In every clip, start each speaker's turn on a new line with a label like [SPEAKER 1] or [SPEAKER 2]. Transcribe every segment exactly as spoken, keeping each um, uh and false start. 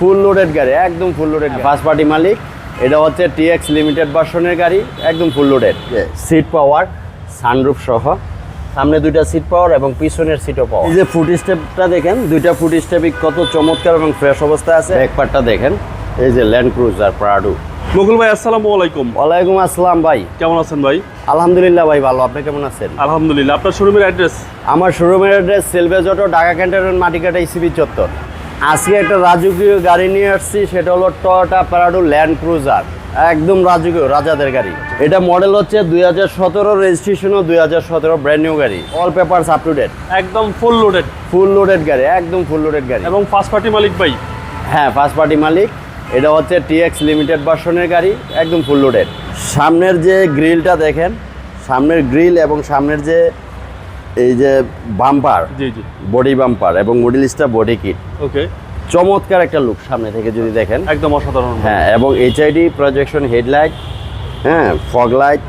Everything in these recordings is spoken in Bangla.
[SPEAKER 1] ফুল লোডেড গাড়ি, একদম ফুল লোডেড। ফার্স্ট পার্টি মালিক, এটা হচ্ছে টিএক্স লিমিটেড ভার্সনের গাড়ি, একদম full loaded. Seat power, sunroof সহ, সামনে দুইটা সিট পাওয়ার এবং পিছনের সিটও পাওয়ার। এই যে ফুট স্টেপটা দেখেন, দুইটা ফুট স্টেপই কত চমৎকার এবং ফ্রেশ অবস্থায় আছে। ব্যাক পার্টটা দেখেন, এই যে ল্যান্ড ক্রুজার প্রাডো।
[SPEAKER 2] মুকুল ভাই আসসালামু আলাইকুম।
[SPEAKER 1] ওয়ালাইকুম আসসালাম ভাই,
[SPEAKER 2] কেমন আছেন ভাই?
[SPEAKER 1] আলহামদুলিল্লাহ ভাই ভালো, আপনি কেমন আছেন?
[SPEAKER 2] আলহামদুলিল্লাহ। আপনার শোরুমের অ্যাড্রেস?
[SPEAKER 1] আমার শোরুমের অ্যাড্রেস সেলভেজ auto, Dhaka cantonment, Matikata ECB চত্বর। আজকে একটা রাজকীয় গাড়ি নিয়ে আসছি, সেটা হলো টয়োটা প্রাডো ল্যান্ড ক্রুজার, একদম রাজকীয়, রাজাদের গাড়ি। এটা মডেল হচ্ছে দুই হাজার সতেরো, রেজিস্ট্রেশনও দুই হাজার সতেরো, ব্র্যান্ড নিউ গাড়ি, all papers up to date,
[SPEAKER 2] একদম ফুল লোডেড।
[SPEAKER 1] ফুল লোডেড গাড়ি, একদম ফুল লোডেড গাড়ি।
[SPEAKER 2] এবং ফার্স্ট পার্টি মালিক ভাই?
[SPEAKER 1] হ্যাঁ, ফার্স্ট পার্টি মালিক। এটা হচ্ছে টিএক্স লিমিটেড ভার্সনের গাড়ি, একদম ফুল লোডেড। সামনের যে গ্রিলটা দেখেন, সামনের গ্রিল এবং সামনের যে এই যে বাম্পার,
[SPEAKER 2] জি জি,
[SPEAKER 1] বডি বাম্পার এবং middle star body kit,
[SPEAKER 2] okay,
[SPEAKER 1] চমৎকার একটা লুক সামনে থেকে যদি দেখেন,
[SPEAKER 2] একদম অসাধারণ।
[SPEAKER 1] হ্যাঁ, এবং এইচআইডি প্রজেকশন হেডলাইট, হ্যাঁ, ফগ লাইট,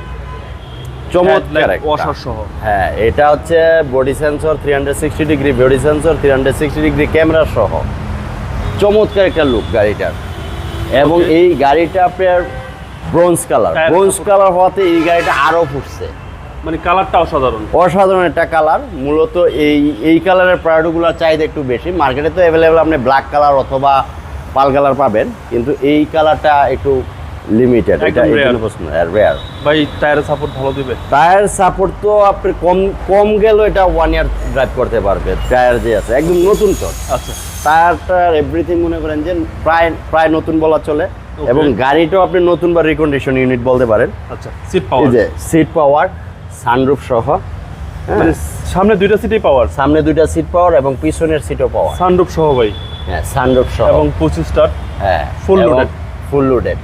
[SPEAKER 1] চমৎকার
[SPEAKER 2] ওয়াশার সহ।
[SPEAKER 1] হ্যাঁ, এটা হচ্ছে body sensor, three hundred sixty degree body sensor, three hundred sixty degree camera সহ, চমৎকার একটা লুক গাড়িটার। এবং এই গাড়িটা আপনার ব্রোঞ্জ কালার, ব্রোঞ্জ কালার হওয়াতে এই গাড়িটা আরও ফুটছে,
[SPEAKER 2] মানে কালারটা অসাধারণ,
[SPEAKER 1] অসাধারণ একটা কালার। মূলত এই এই কালারের প্রাডোগুলোর চাহিদা একটু বেশি, মার্কেটে তো অ্যাভেলেবেল আপনি ব্ল্যাক কালার অথবা পাল কালার পাবেন, কিন্তু এই কালারটা একটু লিমিটেড, এটা রেয়ার।
[SPEAKER 2] ভাই টায়ারের সাপোর্ট ভালো দিবে?
[SPEAKER 1] টায়ার সাপোর্ট তো আপনি কম কম গেলেও এটা ওয়ান ইয়ার ড্রাইভ করতে পারবে। টায়ার যে আছে একদম নতুন তো,
[SPEAKER 2] আচ্ছা,
[SPEAKER 1] টায়ারটার এভরিথিং মনে করেন যে প্রায় প্রায় নতুন বলা চলে। এবং গাড়িটাও আপনি নতুন বা রিকন্ডিশন ইউনিট বলতে পারেন।
[SPEAKER 2] আচ্ছা, সিট পাওয়ার,
[SPEAKER 1] এই যে সিট পাওয়ার, সানরুফ সহ,
[SPEAKER 2] মানে সামনে দুইটা সিটই পাওয়ার,
[SPEAKER 1] সামনে দুইটা সিট পাওয়ার এবং পিছনের সিটও পাওয়ার,
[SPEAKER 2] সানরুফ সহ ভাই।
[SPEAKER 1] হ্যাঁ, সানরুফ সহ
[SPEAKER 2] এবং পঁচিশ স্টার,
[SPEAKER 1] হ্যাঁ,
[SPEAKER 2] full loaded,
[SPEAKER 1] full loaded.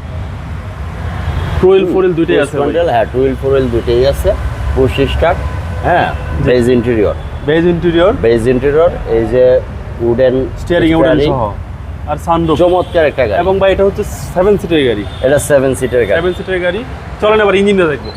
[SPEAKER 2] Two wheel four wheel দুইটাই আছে ভাই?
[SPEAKER 1] হ্যাঁ, টু হুইল ফোর হুইল দুইটাই আছে, পুশ স্টার্ট, হ্যাঁ, beige interior,
[SPEAKER 2] beige interior,
[SPEAKER 1] beige interior, এই যে উডেন
[SPEAKER 2] স্টিয়ারিং উডেন সহ, আর সানরুফ,
[SPEAKER 1] চমৎকার একটা গাড়ি।
[SPEAKER 2] এবং ভাই এটা হচ্ছে সেভেন সিটের গাড়ি।
[SPEAKER 1] এটা সেভেন সিটের গাড়ি,
[SPEAKER 2] সেভেন সিটের গাড়ি। চলেন এবার ইঞ্জিনটা দেখবো।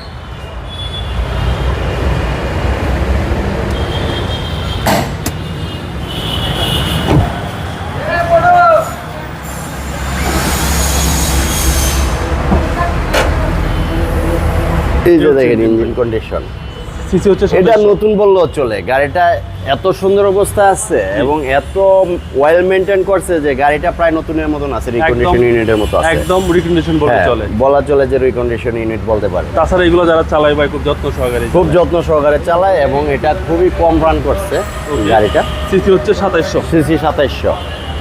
[SPEAKER 1] এই যে দেখেন ইঞ্জিন কন্ডিশন,
[SPEAKER 2] সিসি হচ্ছে
[SPEAKER 1] এটা নতুন বললেও চলে। গাড়িটা এত সুন্দর অবস্থা আছে এবং এত ওয়েল মেইনটেইন করছে যে গাড়িটা প্রায় নতুনের মতন আছে, রিকন্ডিশন ইউনিটের মতো আছে,
[SPEAKER 2] একদম রিকন্ডিশন বলতে চলে,
[SPEAKER 1] বলা চলে যে রিকন্ডিশন ইউনিট বলতে পারে।
[SPEAKER 2] তাছাড়া এগুলো যারা চালায় ভাই খুব যত্ন সহকারে,
[SPEAKER 1] খুব যত্ন সহকারে চালায় এবং এটা খুবই কম রান করছে গাড়িটা।
[SPEAKER 2] সিসি হচ্ছে সাতাইশশো,
[SPEAKER 1] সিসি সাতাইশশো।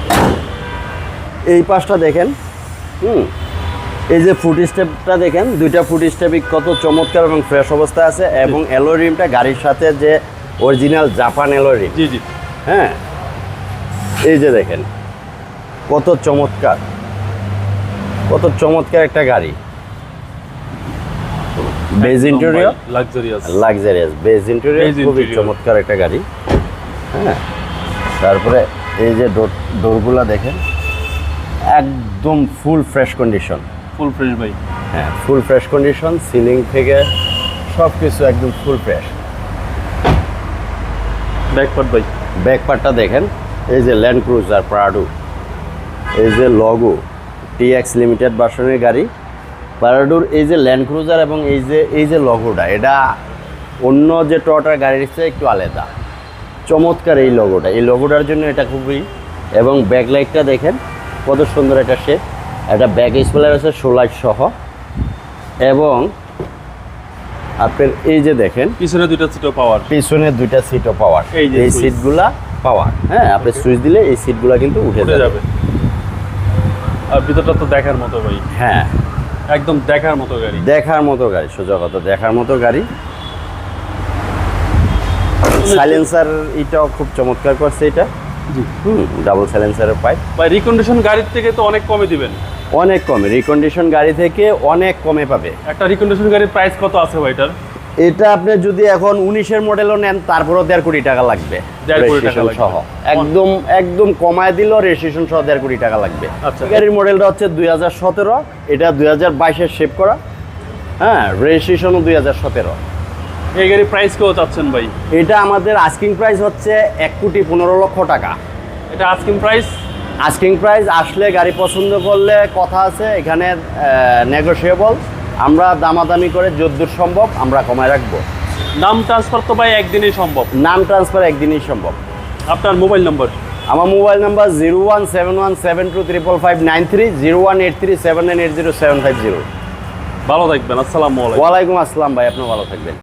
[SPEAKER 1] এই পাশটা দেখেন, হুম, এই যে ফুট স্টেপটা দেখেন, দুইটা ফুট স্টেপই কত চমৎকার এবং ফ্রেশ অবস্থায় আছে। এবং অ্যালয় রিমটা গাড়ির সাথে যে অরিজিনাল জাপান অ্যালয় রিম,
[SPEAKER 2] জি জি,
[SPEAKER 1] হ্যাঁ, এই যে দেখেন কত চমৎকার, কত চমৎকার একটা গাড়ি। Beige interior,
[SPEAKER 2] luxurious,
[SPEAKER 1] luxurious beige interior, খুবই চমৎকার একটা গাড়ি। হ্যাঁ, তারপরে এই যে ডোর ডোরগুলা দেখেন, একদম full fresh condition,
[SPEAKER 2] full fresh ভাই।
[SPEAKER 1] হ্যাঁ, ফুল ফ্রেশ কন্ডিশন, সিলিং থেকে সব কিছু একদম ফুল ফ্রেশ।
[SPEAKER 2] ব্যাক পার্ট ভাই,
[SPEAKER 1] ব্যাক পার্টটা দেখেন, এই যে ল্যান্ড ক্রুজার প্রাডো, এই যে লগো, টিএক্স লিমিটেড ভার্সনের গাড়ি প্রাডোর। এই যে ল্যান্ড ক্রুজার এবং এই যে এই যে লগোটা, এটা অন্য যে টয়োটার গাড়ির চেয়ে একটু আলাদা, চমৎকার এই লগোটা, এই লগোটার জন্য এটা খুবই। এবং ব্যাকলাইটটা দেখেন কত সুন্দর একটা শেপ, একটা ব্যাক স্পয়লার আছে সোলাইট সহ। এবং আপনার এই যে দেখেন
[SPEAKER 2] পিছনে দুইটা সিটও পাওয়ার,
[SPEAKER 1] পিছনে দুইটা সিটও পাওয়ার,
[SPEAKER 2] এই যে
[SPEAKER 1] এই সিটগুলা পাওয়ার, হ্যাঁ, আপনি সুইচ দিলে এই সিটগুলা কিন্তু উঠে যাবে।
[SPEAKER 2] আর ভিতরটা তো দেখার মতো ভাই,
[SPEAKER 1] হ্যাঁ,
[SPEAKER 2] একদম দেখার মতো গাড়ি,
[SPEAKER 1] দেখার মতো গাড়ি, সোজা কথা দেখার মতো গাড়ি। সাইলেন্সার এটাও খুব চমৎকার করছে এটা,
[SPEAKER 2] জি,
[SPEAKER 1] হুম, ডাবল সাইলেন্সারের পাইপ।
[SPEAKER 2] ভাই রিকন্ডিশন গাড়ির থেকে তো অনেক কমে দিবেন?
[SPEAKER 1] অনেক কমে, রিকন্ডিশন গাড়ি থেকে অনেক কমে পাবে।
[SPEAKER 2] একটা রিকন্ডিশন গাড়ির প্রাইস কত আছে ভাই এটার?
[SPEAKER 1] এটা আপনি যদি এখন উনিশের মডেলও নেন তারপরেও দেড় কোটি টাকা লাগবে,
[SPEAKER 2] দেড় কোটি টাকা
[SPEAKER 1] সহ, একদম একদম কমায় দিলেও রেজিস্ট্রেশন সহ দেড় কোটি টাকা লাগবে।
[SPEAKER 2] আচ্ছা,
[SPEAKER 1] গাড়ির মডেলটা হচ্ছে দুই হাজার সতেরো, এটা দুই হাজার বাইশের শেপ করা, হ্যাঁ, রেজিস্ট্রেশনও দুই হাজার সতেরো।
[SPEAKER 2] এই গাড়ির প্রাইস কেউ চাচ্ছেন ভাই?
[SPEAKER 1] এটা আমাদের আস্কিং প্রাইস হচ্ছে এক কোটি পনেরো লক্ষ টাকা।
[SPEAKER 2] এটা আস্কিং প্রাইস?
[SPEAKER 1] আস্কিং প্রাইস, আসলে গাড়ি পছন্দ করলে কথা আছে এখানে, নেগোশিয়েবল। আমরা দামাদামি করে যদ্দূর সম্ভব আমরা কমায় রাখবো।
[SPEAKER 2] নাম ট্রান্সফার তো ভাই একদিনই সম্ভব।
[SPEAKER 1] নাম ট্রান্সফার একদিনই সম্ভব।
[SPEAKER 2] আপনার মোবাইল নম্বর?
[SPEAKER 1] আমার mobile number zero one seven one seven two triple five nine three zero one eight three seven nine eight zero seven five zero.
[SPEAKER 2] ভালো থাকবেন, আসসালামু আলাইকুম।
[SPEAKER 1] ওয়ালাইকুম আসসালাম ভাই, আপনি ভালো থাকবেন।